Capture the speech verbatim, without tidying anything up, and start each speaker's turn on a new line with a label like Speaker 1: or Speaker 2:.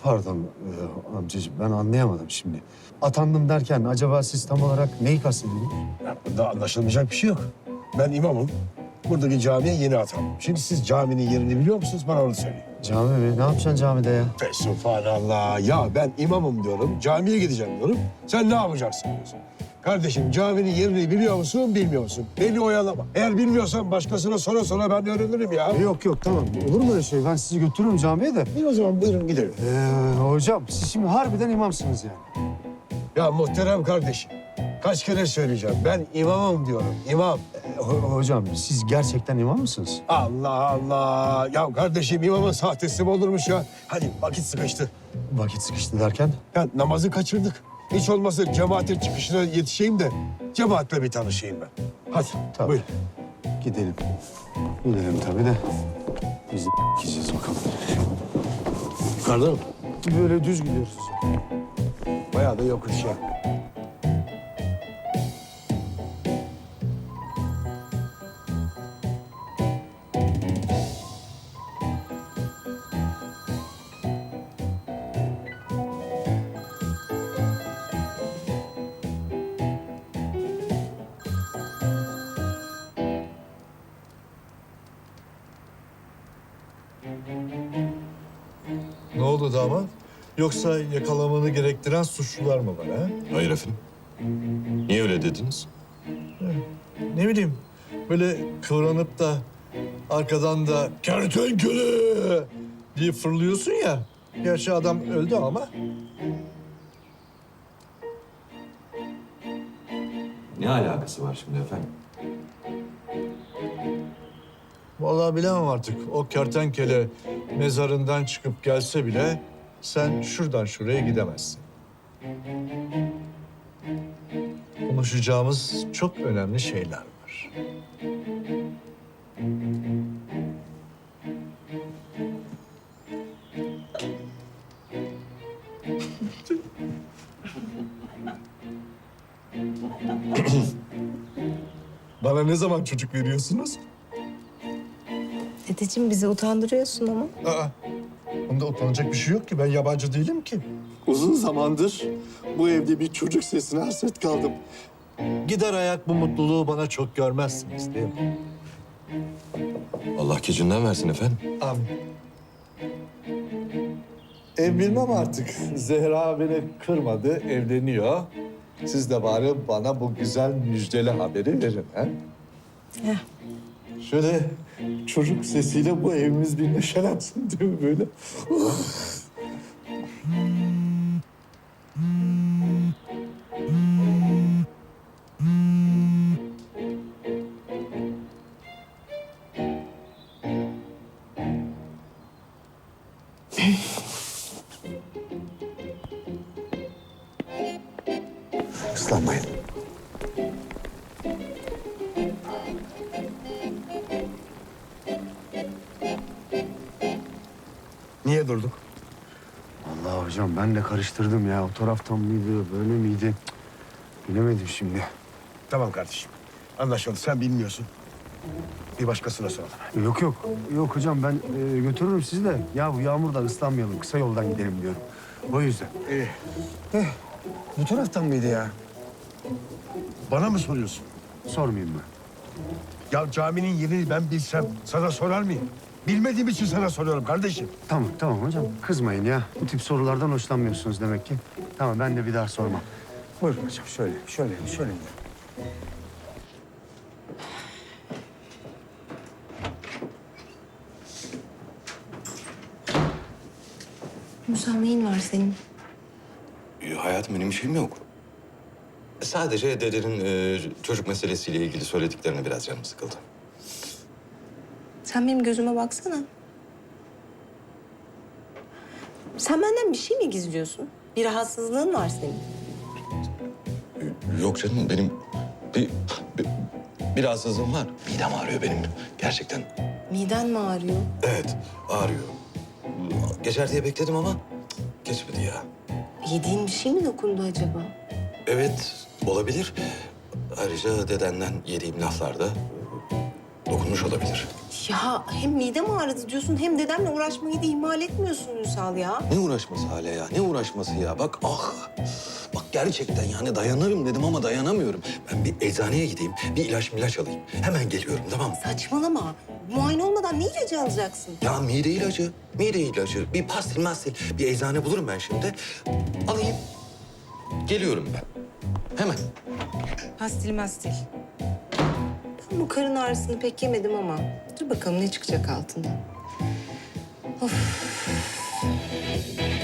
Speaker 1: Pardon e, amcacığım, ben anlayamadım şimdi. Atandım derken acaba siz tam olarak neyi kastediyorsunuz?
Speaker 2: Ya bunda anlaşılmayacak bir şey yok. Ben imamım. Buradaki camiye yeni atandım. Şimdi siz caminin yerini biliyor musunuz? Bana onu söyleyin.
Speaker 1: Cami mi? Ne yapacaksın camide ya?
Speaker 2: Fesubhanallah. Ya ben imamım diyorum. Camiye gideceğim diyorum. Sen ne yapacaksın diyorsun. Kardeşim caminin yerini biliyor musun, bilmiyor musun? Beni oyalama. Eğer bilmiyorsan başkasına sonra sonra ben öğrenirim ya.
Speaker 1: Yok yok, tamam. Olur mu öyle şey? Ben sizi götürürüm camiye de.
Speaker 2: İyi o zaman buyurun gidelim.
Speaker 1: Ee, hocam siz şimdi harbiden imamsınız yani.
Speaker 2: Ya muhterem kardeşim. Kaç kere söyleyeceğim. Ben imamım diyorum. İmam.
Speaker 1: Ee, ho- hocam siz gerçekten imam mısınız?
Speaker 2: Allah Allah. Ya kardeşim imamın sahtesi mi olurmuş ya? Hadi vakit sıkıştı.
Speaker 1: Vakit sıkıştı derken?
Speaker 2: Ya namazı kaçırdık. Hiç olmazsa cemaatin çıkışına yetişeyim de cemaatle bir tanışayım ben. Hadi
Speaker 1: Tabii.
Speaker 2: buyur.
Speaker 1: Gidelim. Gidelim tabii de. Biz de gideceğiz bakalım.
Speaker 2: Yukarıda mı?
Speaker 1: Böyle düz gidiyoruz.
Speaker 2: Bayağı da yokuş ya.
Speaker 3: Ne oldu damat? Yoksa yakalamanı gerektiren suçlular mı var ha?
Speaker 4: Hayır efendim. Niye öyle dediniz?
Speaker 3: Ne bileyim, böyle kıvranıp da arkadan da kertenkele diye fırlıyorsun ya. Gerçi adam öldü ama.
Speaker 4: Ne alakası var şimdi efendim?
Speaker 3: Vallahi bilemem artık. O kertenkele mezarından çıkıp gelse bile sen şuradan şuraya gidemezsin. Konuşacağımız çok önemli şeyler var. Bana ne zaman çocuk veriyorsunuz?
Speaker 5: Dedeciğim bizi utandırıyorsun ama.
Speaker 3: Aa, bunda utanacak bir şey yok ki. Ben yabancı değilim ki.
Speaker 6: Uzun zamandır bu evde bir çocuk sesine hasret kaldım.
Speaker 3: Gider ayak bu mutluluğu bana çok görmezsiniz değil mi?
Speaker 4: Allah gecinden versin efendim.
Speaker 3: Amin. Ev bilmem artık. Zehra beni kırmadı, evleniyor. Siz de bari bana bu güzel müjdeli haberi verin. Ha?
Speaker 5: Heh.
Speaker 3: Şöyle çocuk sesiyle bu evimiz bir neşelensin değil mi böyle?
Speaker 1: Islanmayın.
Speaker 2: Niye durduk?
Speaker 1: Vallahi hocam ben de karıştırdım ya. O taraftan mıydı, böyle miydi? Cık, bilemedim şimdi.
Speaker 2: Tamam kardeşim. Anlaşıldı. Sen bilmiyorsun. Bir başkasına soralım.
Speaker 1: Yok yok. Yok hocam ben e, götürürüm sizi de. Ya bu yağmurdan ıslanmayalım. Kısa yoldan gidelim diyorum. O yüzden.
Speaker 2: İyi. Eh, bu taraftan mıydı ya? Bana mı soruyorsun?
Speaker 1: Sormayayım mı?
Speaker 2: Ya caminin yerini ben bilsem sana sorar mıyım? Bilmediğim için sana soruyorum kardeşim.
Speaker 1: Tamam tamam hocam. Kızmayın ya. Bu tip sorulardan hoşlanmıyorsunuz demek ki. Tamam ben de bir daha sormam. Buyurun hocam şöyle şöyle şöyle.
Speaker 5: Musa neyin var senin?
Speaker 4: Ee, hayatım benim bir şeyim yok. Sadece dedenin e, çocuk meselesiyle ilgili söylediklerine biraz canım sıkıldı.
Speaker 5: Sen benim gözüme baksana. Sen benden bir şey mi gizliyorsun? Bir rahatsızlığın var senin.
Speaker 4: Ee, Yok canım benim bir, bir, bir rahatsızlığım var. Midem ağrıyor benim gerçekten.
Speaker 5: Miden mi ağrıyor?
Speaker 4: Evet ağrıyor. Geçer diye bekledim ama cık, geçmedi ya.
Speaker 5: Yediğin bir şey mi dokundu acaba?
Speaker 4: Evet olabilir. Ayrıca dedenden yediğim laflar da dokunmuş olabilir.
Speaker 5: Ya hem midem ağrıdı diyorsun hem dedemle uğraşmayı da ihmal etmiyorsun Ünsal ya.
Speaker 4: Ne uğraşması Hale ya? Ne uğraşması ya? Bak ah! Bak gerçekten yani dayanırım dedim ama dayanamıyorum. Ben bir eczaneye gideyim, bir ilaç milaç alayım. Hemen geliyorum, tamam mı?
Speaker 5: Saçmalama. Muayene olmadan ne ilacı alacaksın?
Speaker 4: Ya mide ilacı, mide ilacı. Bir pastil mastil, bir eczane bulurum ben şimdi. Alayım. Geliyorum ben. Hemen.
Speaker 5: Pastil mastil. Ben bu karın ağrısını pek yemedim ama dur bakalım ne çıkacak altından. Of.